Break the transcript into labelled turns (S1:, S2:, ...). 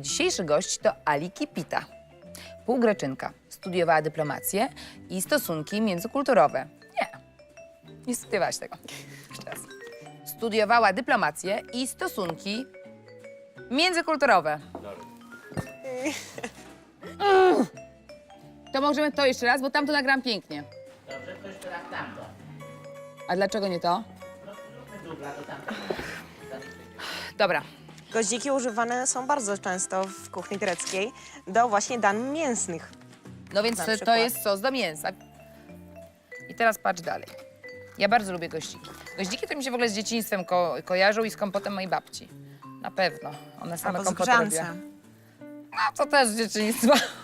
S1: dzisiejszy gość to Ali Kipita. Półgreczynka. Studiowała dyplomację i stosunki międzykulturowe. Nie studiowałaś tego. Jeszcze raz. Studiowała dyplomację i stosunki międzykulturowe. To możemy to jeszcze raz, bo tamto nagram pięknie.
S2: Dobrze, to jeszcze raz tamto.
S1: A dlaczego nie to?
S2: Zróbmy dubla do tamtego.
S1: Dobra.
S3: Goździki używane są bardzo często w kuchni greckiej do właśnie dań mięsnych.
S1: No więc
S3: Na
S1: to
S3: przykład.
S1: jest sos do mięsa. I teraz patrz dalej. Ja bardzo lubię goździki. Goździki to mi się w ogóle z dzieciństwem kojarzą i z kompotem mojej babci. Na pewno. Ona same
S3: Albo z
S1: kompoty
S3: grzance.
S1: robiła. No to też z dzieciństwa.